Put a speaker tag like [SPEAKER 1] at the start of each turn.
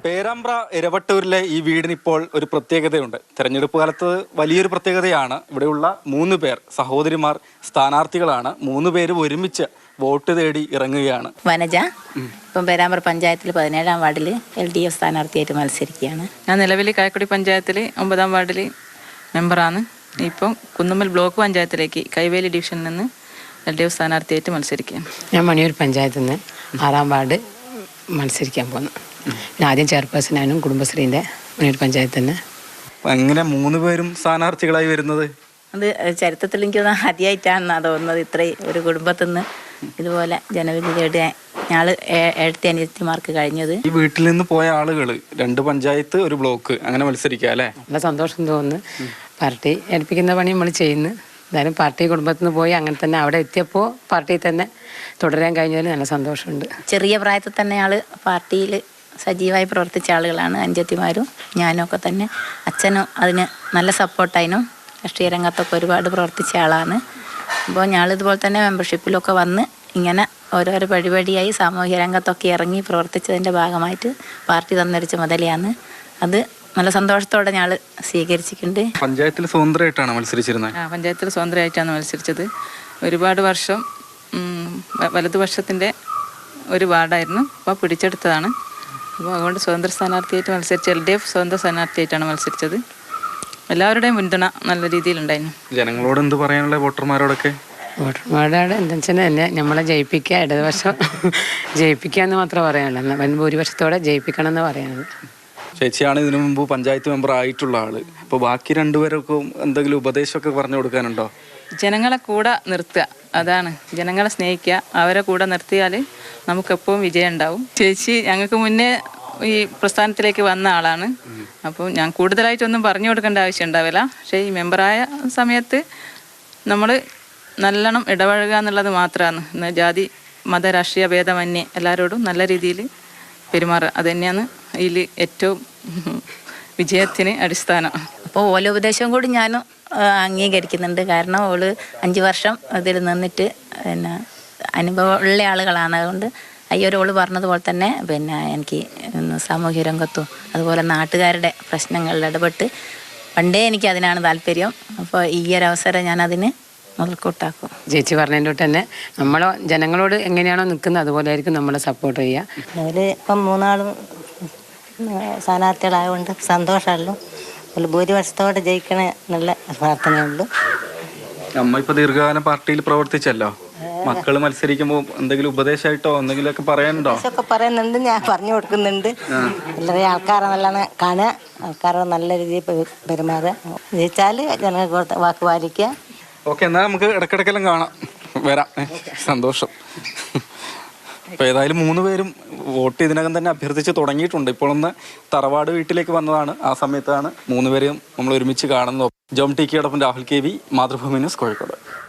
[SPEAKER 1] പേരാമ്പ്ര ഇരവട്ടൂരിലെ ഈ വീടിന് ഇപ്പോൾ ഒരു പ്രത്യേകതയുണ്ട്. തെരഞ്ഞെടുപ്പ് കാലത്ത് വലിയൊരു പ്രത്യേകതയാണ്. ഇവിടെയുള്ള 3 പേർ സഹോദരിമാർ സ്ഥാനാർത്ഥികളാണ്. 3 പേരും ഒരുമിച്ച് വോട്ട് തേടി ഇറങ്ങുകയാണ്.
[SPEAKER 2] വനജ ഇപ്പം പേരാമ്പ്ര പഞ്ചായത്തിൽ 17-ാം വാർഡിൽ LDF സ്ഥാനാർത്ഥിയായിട്ട് മത്സരിക്കുകയാണ്.
[SPEAKER 3] ഞാൻ നിലവിൽ കായക്കുടി പഞ്ചായത്തിൽ 9-ാം വാർഡിൽ മെമ്പറാണ്. ഇപ്പം കുന്നുമ്മൽ ബ്ലോക്ക് പഞ്ചായത്തിലേക്ക് കൈവേലി ഡിവിഷനിൽ നിന്ന് LDF സ്ഥാനാർത്ഥിയായിട്ട് മത്സരിക്കുകയാണ്.
[SPEAKER 4] ഞാൻ മണിയൂർ പഞ്ചായത്തിൽ നിന്ന് 6-ാം വാർഡ് മത്സരിക്കാൻ പോകുന്നു. ആദ്യം ചെയർപേഴ്സണാനും കുടുംബശ്രീൻ്റെ മണിയൂർ പഞ്ചായത്തിൽ നിന്ന്.
[SPEAKER 1] എങ്ങനെ 3 പേരും സ്ഥാനാർത്ഥികളായി വരുന്നത്?
[SPEAKER 2] അത് ചരിത്രത്തിൽ എനിക്ക് ആദ്യമായിട്ടാണ് തോന്നുന്നത്. ഇത്രയും ഒരു കുടുംബത്തിൽ നിന്ന് ഇതുപോലെ ജനവിധി തേടി ഞങ്ങൾ 7 അനിയത്തിമാർക്ക് കഴിഞ്ഞത്.
[SPEAKER 1] ഈ വീട്ടിൽ നിന്ന് പോയ ആളുകൾ 2 പഞ്ചായത്ത് 1 ബ്ലോക്ക് അങ്ങനെ മത്സരിക്കുക അല്ലേ?
[SPEAKER 4] നല്ല സന്തോഷം തോന്നുന്നു. പാർട്ടി ഏൽപ്പിക്കുന്ന പണി നമ്മൾ ചെയ്യുന്നു. എന്തായാലും പാർട്ടി കുടുംബത്തിൽ നിന്ന് പോയി അങ്ങനെ തന്നെ അവിടെ എത്തിയപ്പോൾ പാർട്ടിയിൽ തന്നെ തുടരാൻ കഴിഞ്ഞതിൽ നല്ല സന്തോഷമുണ്ട്.
[SPEAKER 2] ചെറിയ പ്രായത്തിൽ തന്നെ ആൾ പാർട്ടിയിൽ സജീവമായി പ്രവർത്തിച്ച ആളുകളാണ് അഞ്ചത്തിമാരും ഞാനും ഒക്കെ തന്നെ. അച്ഛനും അതിന് നല്ല സപ്പോർട്ടായിരുന്നു. രാഷ്ട്രീയ രംഗത്തൊക്കെ ഒരുപാട് പ്രവർത്തിച്ച ആളാണ്. അപ്പോൾ ഞങ്ങളിതുപോലെ തന്നെ മെമ്പർഷിപ്പിലൊക്കെ വന്ന് ഇങ്ങനെ ഓരോരോ പരിപാടിയായി സാമൂഹ്യ രംഗത്തൊക്കെ ഇറങ്ങി പ്രവർത്തിച്ചതിൻ്റെ ഭാഗമായിട്ട് പാർട്ടി തന്നൊരു ചുമതലയാണ്. അത് നല്ല സന്തോഷത്തോടെ ഞങ്ങൾ സ്വീകരിച്ചിട്ടുണ്ട്.
[SPEAKER 1] പഞ്ചായത്തിൽ സ്വതന്ത്രമായിട്ടാണ് മത്സരിച്ചിരുന്നത്?
[SPEAKER 3] പഞ്ചായത്തിൽ സ്വതന്ത്രമായിട്ടാണ് മത്സരിച്ചത്. ഒരുപാട് വർഷം വലതുപക്ഷത്തിൻ്റെ ഒരു വാർഡായിരുന്നു. അപ്പോൾ പിടിച്ചെടുത്തതാണ്. അപ്പോൾ അതുകൊണ്ട് സ്വതന്ത്ര സ്ഥാനാർത്ഥിയായിട്ട് മത്സരിച്ച LDF സ്വതന്ത്ര സ്ഥാനാർത്ഥിയായിട്ടാണ് മത്സരിച്ചത്. എല്ലാവരുടെയും പിന്തുണ നല്ല രീതിയിലുണ്ടായിരുന്നു.
[SPEAKER 1] ജനങ്ങളോട് എന്ത് പറയാനുള്ള വോട്ടർമാരോടൊക്കെ?
[SPEAKER 4] വോട്ടർമാരോട് എന്താ വെച്ചാൽ തന്നെ നമ്മളെ ജയിപ്പിക്കുക, ഇടതുപക്ഷം ജയിപ്പിക്കുക എന്ന് മാത്രമേ പറയാനുള്ളൂ. വൻ ഭൂരിപക്ഷത്തോടെ ജയിപ്പിക്കണം എന്ന് പറയുന്നത്.
[SPEAKER 1] ചേച്ചിയാണ് ഇതിനു മുമ്പ് പഞ്ചായത്ത് മെമ്പർ ആയിട്ടുള്ള ആള്. അപ്പോൾ ബാക്കി 2 പേർക്കും എന്തെങ്കിലും ഉപദേശമൊക്കെ പറഞ്ഞു കൊടുക്കാനുണ്ടോ?
[SPEAKER 3] ജനങ്ങളെ കൂടെ നിർത്തുക, അതാണ്. ജനങ്ങളെ സ്നേഹിക്കുക, അവരെ കൂടെ നിർത്തിയാൽ നമുക്കെപ്പോഴും വിജയം ഉണ്ടാവും. ചേച്ചി ഞങ്ങൾക്ക് മുന്നേ ഈ പ്രസ്ഥാനത്തിലേക്ക് വന്ന ആളാണ്. അപ്പോൾ ഞാൻ കൂടുതലായിട്ടൊന്നും പറഞ്ഞു കൊടുക്കേണ്ട ആവശ്യം ഉണ്ടാവില്ല. പക്ഷേ ഈ മെമ്പറായ സമയത്ത് നമ്മൾ നല്ലോണം ഇടപഴകുക എന്നുള്ളത് മാത്രമാണ്. ജാതി മത രാഷ്ട്രീയ ഭേദമന്യേ എല്ലാവരോടും നല്ല രീതിയിൽ പെരുമാറുക, അത് തന്നെയാണ് ഇതിൽ ഏറ്റവും വിജയത്തിന് അടിസ്ഥാനം.
[SPEAKER 2] അപ്പോൾ ഓല ഉപദേശവും കൂടി ഞാനും അംഗീകരിക്കുന്നുണ്ട്. കാരണം ഓള് 5 വർഷം അതിൽ നിന്നിട്ട് പിന്നെ അനുഭവമുള്ള ആളുകളാണ്. അതുകൊണ്ട് അയ്യോരോള് പറഞ്ഞതുപോലെ തന്നെ എനിക്ക് സാമൂഹ്യ രംഗത്തും അതുപോലെ നാട്ടുകാരുടെ പ്രശ്നങ്ങളിൽ ഇടപെട്ട് പണ്ടേ എനിക്ക് അതിനാണ് താല്പര്യം. അപ്പോൾ ഈ ഒരു അവസരം ഞാൻ അതിന് മുതൽക്കൂട്ടാക്കും.
[SPEAKER 4] ചേച്ചി പറഞ്ഞതിൻ്റെ തൊട്ട് തന്നെ നമ്മൾ ജനങ്ങളോട് എങ്ങനെയാണോ നിൽക്കുന്നത് അതുപോലെ ആയിരിക്കും നമ്മളെ സപ്പോർട്ട് ചെയ്യുക.
[SPEAKER 5] അതിൽ ഇപ്പം 3 സ്ഥാനാർത്ഥികളായതുകൊണ്ട് സന്തോഷമല്ലോ. ഒരു ഭൂരിപക്ഷത്തോടെ ജയിക്കണേ എന്നുള്ള പ്രാർത്ഥനയുള്ളൂ.
[SPEAKER 1] അമ്മ ഇപ്പോൾ ദീർഘകാലം പാർട്ടിയിൽ പ്രവർത്തിച്ചല്ലോ. മക്കള് മത്സരിക്കുമ്പോൾ എന്തെങ്കിലും ഉപദേശമായിട്ടോ എന്തെങ്കിലുമൊക്കെ പറയാനുണ്ടോ?
[SPEAKER 5] ഒക്കെ പറയുന്നുണ്ട്, ഞാൻ പറഞ്ഞു കൊടുക്കുന്നുണ്ട്. എല്ലാവരെയും ആൾക്കാരെ നല്ലോണം കാണുക, ആൾക്കാരോട് നല്ല രീതിയിൽ പെരുമാറുക. ജയിച്ചാൽ ജനങ്ങൾക്ക് വാക്ക് പാലിക്കുക.
[SPEAKER 1] ഓക്കെ, എന്നാൽ നമുക്ക് ഇടയ്ക്കിടയ്ക്കെല്ലാം കാണാം, വരാം. സന്തോഷം. അപ്പോൾ ഏതായാലും 3 പേരും വോട്ട് ഇതിനകം തന്നെ അഭ്യർത്ഥിച്ച് തുടങ്ങിയിട്ടുണ്ട്. ഇപ്പോൾ ഒന്ന് തറവാട് വീട്ടിലേക്ക് വന്നതാണ്. ആ സമയത്താണ് 3 പേരെയും നമ്മൾ ഒരുമിച്ച് കാണുന്നത്. ജോം ടി കെയോടൊപ്പം രാഹുൽ KV, മാതൃഭൂമി ന്യൂസ്, കോഴിക്കോട്.